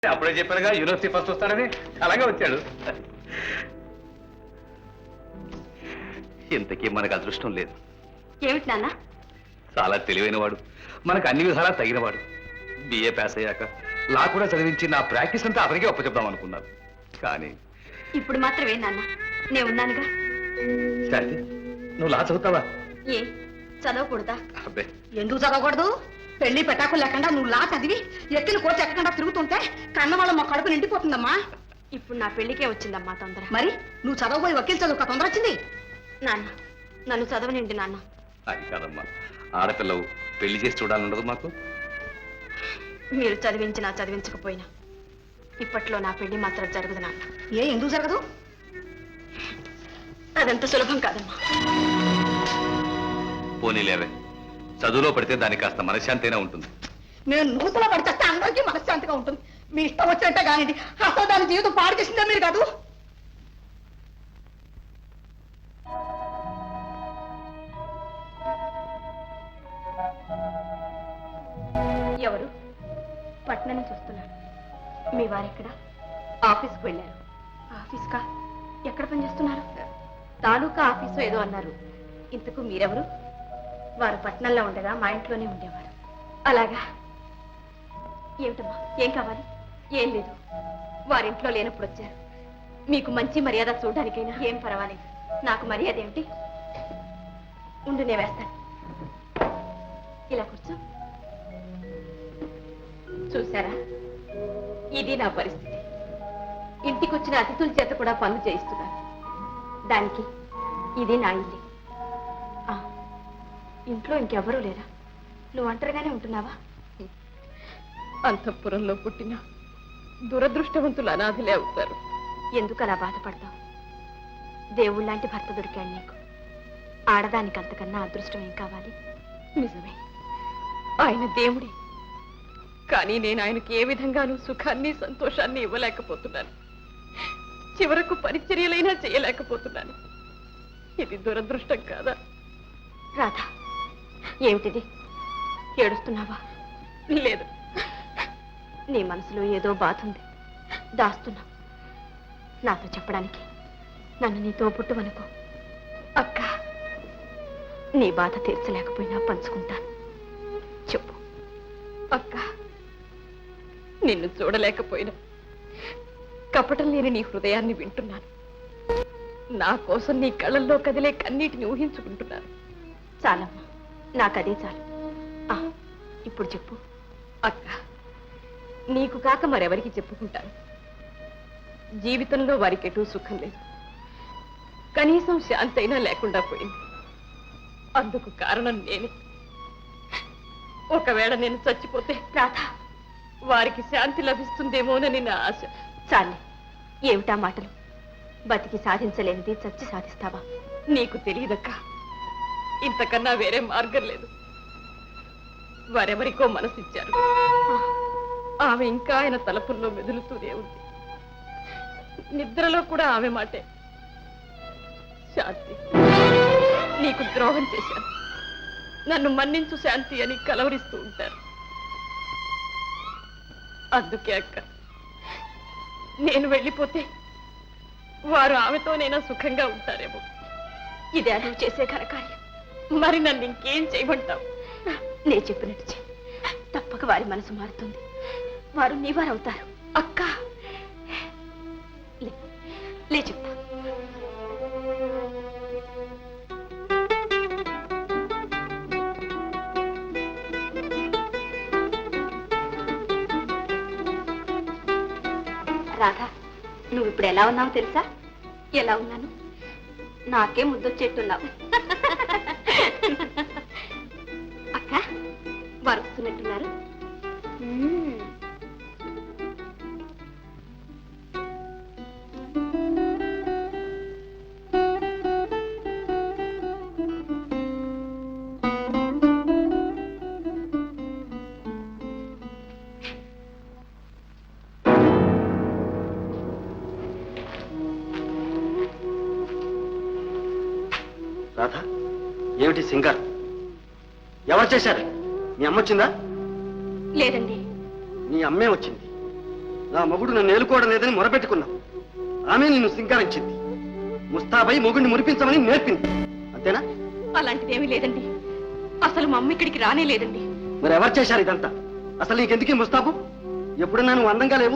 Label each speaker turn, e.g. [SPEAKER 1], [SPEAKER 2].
[SPEAKER 1] అప్పుడే చెప్పారుగా university first వస్తాడని, అలాగే వచ్చాడు. ఇంతకీ మనకు అదృష్టం లేదు.
[SPEAKER 2] ఏమిటి నాన్న?
[SPEAKER 1] చాలా తెలివైన వాడు, మనకు అన్ని విధాలా తగినవాడు. బిఏ పాస్ అయ్యాక లా కూడా చదివించి నా ప్రాక్టీస్ అంతా అతనికే ఒప్పచెప్దాం అనుకున్నాను. కానీ
[SPEAKER 2] ఇప్పుడు మాత్రమే నాన్న, నేను ఉన్నానుగా.
[SPEAKER 1] శాంతి, నువ్వు లా చదువుతావా?
[SPEAKER 2] ఏ చదవకూడదా?
[SPEAKER 1] అబ్బే,
[SPEAKER 3] ఎందుకు చదవకూడదు? పెళ్లి పెట్టాకు లేకుండా నువ్వు లా చదివి ఎక్కిన కోర్టు ఎక్కకుండా తిరుగుతుంటే కన్నవాళ్ళ మా కడుపు నిండిపోతుందమ్మా.
[SPEAKER 2] ఇప్పుడు నా పెళ్లికే వచ్చిందమ్మా తొందర.
[SPEAKER 3] మరి నువ్వు చదవబోయి వకీల్ చదువుక తొందర వచ్చింది.
[SPEAKER 2] నాన్న, నన్ను చదవనిండి నాన్న.
[SPEAKER 1] అది కాదమ్మా, ఆడపిల్లవు పెళ్లి చేసి చూడాలన్నది మాకు.
[SPEAKER 2] మీరు చదివించినా చదివించకపోయినా ఇప్పట్లో నా పెళ్లి మాత్రం జరగదు నాన్న.
[SPEAKER 3] ఎందుకు జరగదు?
[SPEAKER 2] అదంత సులభం కాదమ్మా.
[SPEAKER 1] పోనీలేవే, చదువులో పడితే దానికి కాస్త మనశ్శాంతి అయినా ఉంటుంది.
[SPEAKER 3] నేను నూతలో పడితే అందరికీ మనశ్శాంతిగా ఉంటుంది. మీ ఇష్టం వచ్చినట్టే కానిది. అసలు దాని జీవితం పాడు చేసిందే మీరు కాదు.
[SPEAKER 2] ఎవరు? పట్నం నుంచి వస్తున్నారు. మీ వారెక్కడ? ఆఫీస్కి వెళ్ళారు. ఆఫీస్కా? ఎక్కడ పనిచేస్తున్నారు? తాలూకా ఆఫీసు ఏదో అన్నారు. ఇంతకు మీరెవరు? వారు పట్నంలో ఉండగా మా ఇంట్లోనే ఉండేవారు. అలాగా? ఏమిటమ్మా, ఏం కావాలి? ఏం లేదు, వారింట్లో లేనప్పుడు వచ్చారు. మీకు మంచి మర్యాద చూడడానికైనా. ఏం పర్వాలేదు, నాకు మర్యాద ఏమిటి? ఉండు, నేను వేస్తాను. ఇలా కూర్చో. చూసారా, ఇది నా పరిస్థితి. ఇంటికొచ్చిన అతిథుల చేత కూడా పనులు చేయిస్తున్నాను. దానికి ఇది నా ఇల్లు. ఇంట్లో ఇంకెవరూ లేరా? నువ్వు ఒంటరిగానే ఉంటున్నావా?
[SPEAKER 4] అంతఃపురంలో పుట్టిన దురదృష్టవంతులు అనాథలే అవుతారు.
[SPEAKER 2] ఎందుకు అలా బాధపడతావు? దేవుళ్ళలాంటి భర్త దొరికాడు నీకు. ఆడదానికి అంతకన్నా అదృష్టం ఏం కావాలి?
[SPEAKER 4] నిజమే, ఆయన దేవుడే. కానీ నేను ఆయనకి ఏ విధంగానూ సుఖాన్ని సంతోషాన్ని ఇవ్వలేకపోతున్నాను. చివరకు పరిచర్యలైనా చేయలేకపోతున్నాను. ఇది దురదృష్టం కాదా?
[SPEAKER 2] రాధా, ఏమిటిది? ఏడుస్తున్నావా?
[SPEAKER 4] లేదు,
[SPEAKER 2] నీ మనసులో ఏదో బాధ ఉంది, దాస్తున్నావు. నాతో చెప్పడానికి. నన్ను నీతో పుట్టువనుకో. అక్క, నీ బాధ తీర్చలేకపోయినా పంచుకుంటాను. చెప్పు.
[SPEAKER 4] అక్క, నిన్ను చూడలేకపోయినా కపటం లేని నీ హృదయాన్ని వింటున్నాను. నా కోసం నీ కళ్ళల్లో కదిలే కన్నీటిని ఊహించుకుంటున్నాను.
[SPEAKER 2] చాలమ్మా, నాకదే చాలు. ఇప్పుడు చెప్పు.
[SPEAKER 4] అక్క, నీకు కాక మరెవరికి చెప్పుకుంటాను? జీవితంలో వారికెటూ సుఖం లేదు. కనీసం శాంతి అయినా లేకుండా పోయింది. అందుకు కారణం నేనే. ఒకవేళ నేను చచ్చిపోతే
[SPEAKER 2] రాధా,
[SPEAKER 4] వారికి శాంతి లభిస్తుందేమోనని నా ఆశ.
[SPEAKER 2] చాలే, ఏమిటా మాటలు? బతికి సాధించలేనిది చచ్చి సాధిస్తావా?
[SPEAKER 4] నీకు తెలియదక్క, ఇంతకన్నా వేరే మార్గం లేదు. వారెవరికో మనసిచ్చారు. ఆమె ఇంకా ఆయన తలపుల్లో మెదులుతూనే ఉంది. నిద్రలో కూడా ఆమె మాటే. శాంతి, నీకు ద్రోహం చేశాను, నన్ను మన్నించు శాంతి అని కలవరిస్తూ ఉంటారు. అందుకే అక్క, నేను వెళ్ళిపోతే వారు ఆమెతోనైనా సుఖంగా ఉంటారేమో.
[SPEAKER 2] ఇదే నువ్వు చేసే ఘనకార్యం.
[SPEAKER 4] మరి నన్ను ఇంకేం చేయమంటావు?
[SPEAKER 2] నే చెప్పినట్టు చెయ్యి. తప్పక వారి మనసు మారుతుంది. వారు నీవారవుతారు.
[SPEAKER 4] అక్క,
[SPEAKER 2] లే చెప్తా. రాధా, నువ్వు ఇప్పుడు ఎలా ఉన్నావు తెలుసా? ఎలా ఉన్నాను? నాకే ముద్దొచ్చేట్టున్నావు. అక్క, వారు వస్తున్నట్టున్నారు.
[SPEAKER 5] రాధా, ఏమిటి సింగర్? ఎవరు చేశారు? మీ అమ్మ వచ్చిందా?
[SPEAKER 2] లేదండి.
[SPEAKER 5] నీ అమ్మే వచ్చింది. నా మొగుడు నన్ను ఏలుకోవడం లేదని మొరపెట్టుకున్నావు. ఆమె నిన్ను సింగారించింది. ముస్తాబై మొగుడిని మురిపించమని నేర్పింది. అంతేనా?
[SPEAKER 2] అలాంటిదేమీ లేదండి. అసలు మా అమ్మ ఇక్కడికి రానే లేదండి.
[SPEAKER 5] మరి ఎవరు చేశారు ఇదంతా? అసలు నీకెందుకీ ముస్తాబు? ఎప్పుడన్నా నువ్వు అందంగా లేవు,